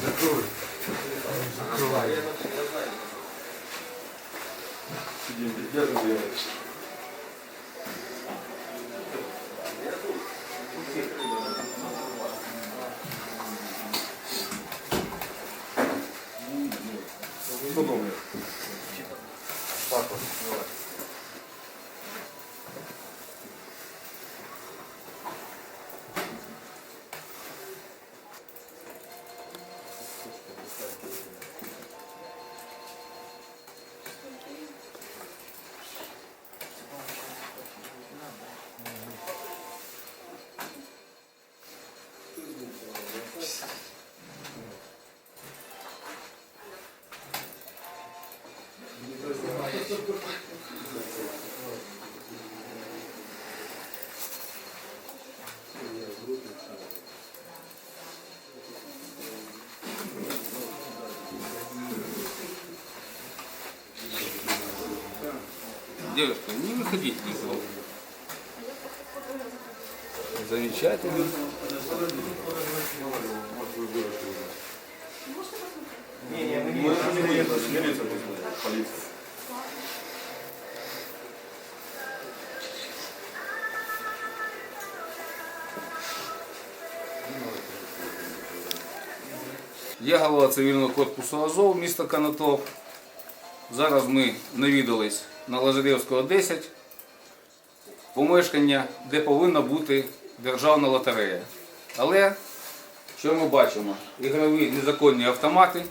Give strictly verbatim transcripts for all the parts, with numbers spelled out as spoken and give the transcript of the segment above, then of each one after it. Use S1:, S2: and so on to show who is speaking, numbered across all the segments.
S1: Закрой. Закрывай. Сидим, держим ее. Что думаешь? Папа, давай.
S2: Девушка, не выходите никуда. Замечательно.
S1: Не, не, мы не можем. Полиция.
S2: Я голова цивільного корпусу Азов, місто Канатоп. Зараз ми навідались на Лазаревського, десять, помешкання, де повинна бути державна лотерея. Але, що ми бачимо? Ігрові незаконні автомати,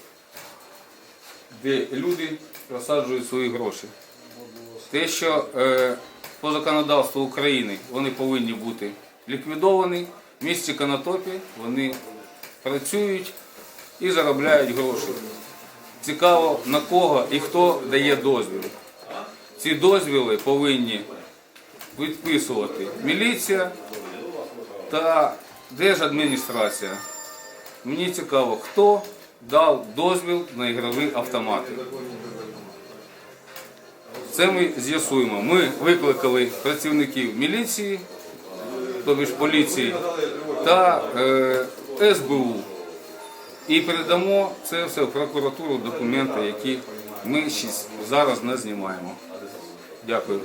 S2: де люди розсаджують свої гроші. Те, що е, по законодавству України вони повинні бути ліквідовані, в місті Канатопі вони працюють і заробляють гроші. Цікаво, на кого і хто дає дозвіл. Ці дозвіли повинні відписувати міліція та держадміністрація. Мені цікаво, хто дав дозвіл на ігрові автомати. Це ми з'ясуємо. Ми викликали працівників міліції, тобто ж поліції, та е, ес бе у. І передамо це все в прокуратуру, документи, які ми зараз не знімаємо. Дякую.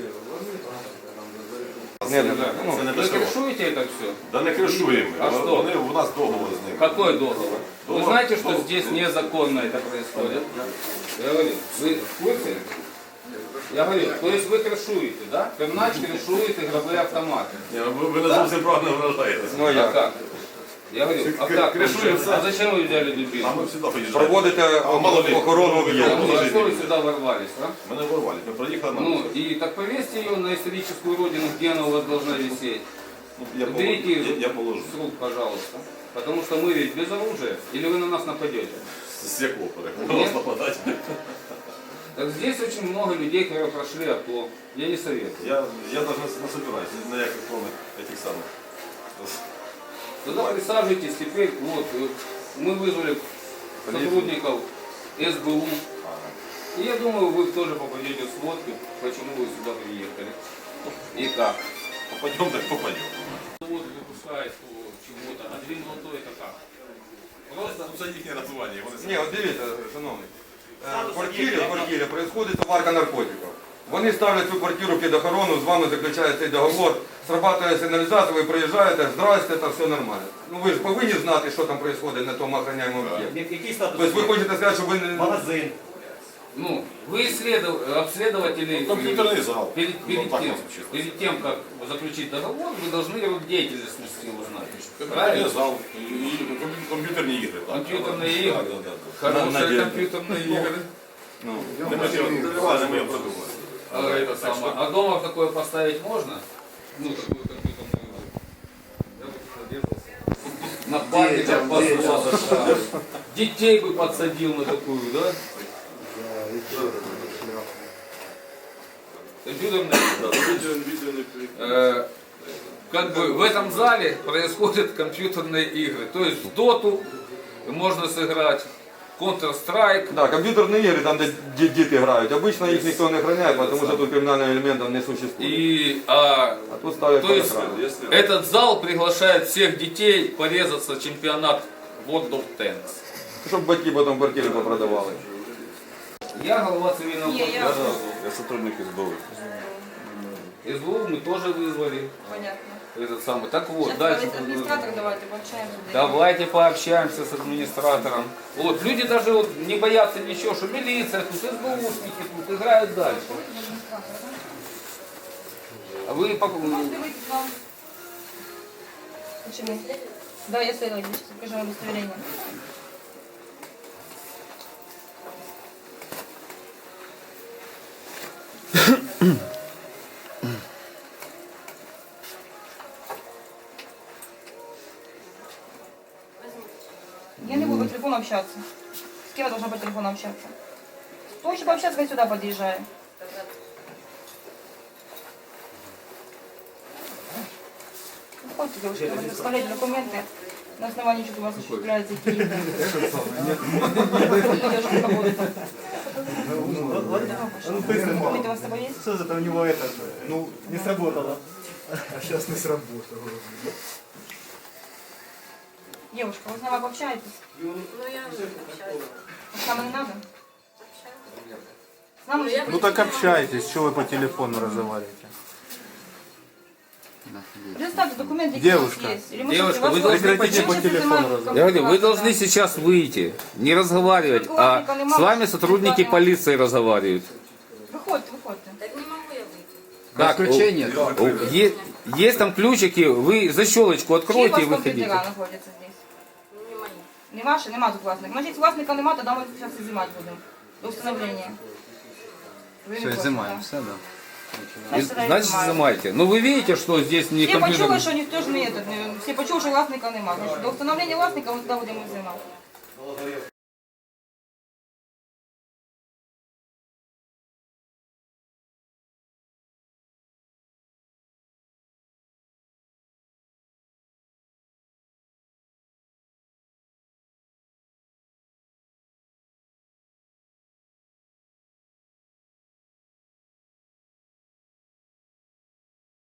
S1: Не, не, ну,
S2: Вы крышуете это все?
S3: Да не крышуем.
S2: А
S3: Вони-
S2: что?
S3: вони- У нас договор з ними.
S2: Какой договор? Вы знаете, что здесь незаконно это происходит? Я говорю, вы в курсе? Я говорю, то есть вы крышуете, да? Пернач крышует игровые автоматы.
S3: Ні, Ви, ви не зовсім правильно вражаєтесь.
S1: ну
S2: А
S1: як?
S2: как? Я говорю, а как?
S3: крышуем
S2: А
S3: сам.
S2: зачем вы взяли дубину?
S3: А ми завжди поїжджаємо.
S1: Проводите
S3: мало ли.
S1: охорону
S2: А
S1: об'єкту.
S2: что вы сюда ворвались, а?
S3: Ми не ворвали, ми проїхали на...
S2: Ну, и так повесьте ее на историческую родину, где она у вас должна висеть.
S3: Ну, я,
S2: Уберите
S3: положу.
S2: ее
S3: я, я положу.
S2: с рук, пожалуйста. Потому что мы ведь без оружия. Или вы на нас нападете?
S3: З якого перекладу вас нападати?
S2: Так здесь очень много людей, которые прошли АТО. Я не советую.
S3: Я, я навіть не, не собираюсь, ні на яких повних этих самих.
S2: Туда присаживайтесь теперь. Вот, э, мы вызвали сотрудников эс бэ у. И я думаю, вы тоже попадете в сводку, почему вы сюда приехали. И как.
S3: Попадем, так попадем.
S2: Вот выпускает чего-то, а две молодой это как?
S3: Просто це їхнє називання. Вони
S1: Ні, от дивіться, шановний. Е, В квартирі, в квартирі відбувається товарка наркотиків. Вони ставлять цю квартиру під охорону, з вами заключають цей договор, срабатує сигналізація, ви приїжджаєте, здрасте, та все нормально. Ну ви ж повинні знати, що там відбувається на тому охороняємому об'єкті.
S4: Який статус?
S1: Тобто ви хочете сказати, що ви не...
S4: Магазин.
S2: Ну, вы исследов- обследователи,
S3: Ну, компьютерный зал.
S2: перед, перед
S3: Ну, так
S2: тем,
S3: вот звучит.
S2: перед тем, как заключить договор, вы должны род деятельности узнать.
S3: Комп'ютерний
S2: Правильно?
S3: зал і, і комп'ю- комп'ютерні ігри. Так.
S2: Комп'ютерні ігри.
S3: Так, так, так.
S2: Хорошие
S1: Надеюсь.
S2: компьютерные игры.
S1: Ну,
S3: Не ми ж його- не ми його придумали.
S2: А, это самое. А дома такое поставить можно? Ну, такую компьютерную игру. Я бы поддерживался. На память послал. Детей бы подсадил на такую, да? Компьютерная игра. Э, Как бы в этом зале происходят компьютерные игры. То есть в доту можно сыграть, Counter-Strike.
S1: да, комп'ютерні ігри, там де ді- діти грають. Обично їх ніхто не охороняє, тому що тут кримінального елементу не существує.
S2: И, а,
S1: А тут ставлять
S2: то есть
S1: охрану.
S2: этот зал приглашает всех детей порезаться чемпионат World of Tanks.
S1: щоб батьки потім квартири попродавали.
S2: Я голова цивільного
S4: Ні, я-
S2: корпусу.
S3: Я сотрудник СБУ.
S2: СБУ мы тоже вызвали.
S4: Понятно.
S2: Этот самый. Так вот,
S4: Сейчас
S2: дальше.
S4: администратор давайте пообщаемся.
S2: Давайте пообщаемся с администратором. Вот, люди даже вот не боятся ничего, что милиция тут, СБУшники тут играют дальше. А вы по-
S4: Можете выйти к нам? Почему? Да, я следователь, сейчас покажу вам удостоверение. Я не буду по телефону общаться. С кем я должна по телефону общаться? Хочешь пообщаться, я сюда подъезжаю. Выходите, девушка, вы представляете документы, на основании чего у вас осуществляется какие-то... Документы у вас с собой есть?
S5: Что это у него это? Ну, не сработало. А сейчас не сработало.
S4: Девушка, вы с нами пообщаетесь?
S6: Ну, я уже общаюсь.
S4: С нами не надо? С нами же-
S5: Ну так общайтесь, что вы по телефону разговариваете?
S4: Представьте документы, какие у вас
S5: Девушка.
S4: есть. Или мы
S2: Девушка,
S4: сейчас-
S2: вы
S4: вас-
S2: должны
S4: мы
S5: по
S4: сейчас
S5: телефону
S4: изымаем
S5: разговаривать.
S2: Я говорю, вы
S4: контакты,
S2: должны
S4: да.
S2: сейчас выйти, не разговаривать, а с вами сотрудники полиции разговаривают.
S4: Выходите, выходите.
S6: Так не могу я выйти.
S2: Как?
S7: Исключение.
S2: О, е- Есть там ключики, вы защелочку
S4: Чьи у
S2: откройте
S4: вас
S2: и выходите.
S4: компьютера знаходяться здесь?
S6: Ну, не мои.
S4: Не ваши, нема тут власника. Значит, власника нема, тогда мы сейчас изымать будем. До установления. Вы не
S7: Все,
S4: против,
S7: изымаем,
S4: да?
S7: все, да.
S2: И,
S4: Значит,
S2: Значит,
S4: изымаем.
S2: изымайте. Ну вы видите, что здесь не
S4: Всі почули,
S2: компьютер.
S4: що ніхто ж не этот, не- всі почули, що власника нема. Значить, до встановлення власника ми туди будемо взимати.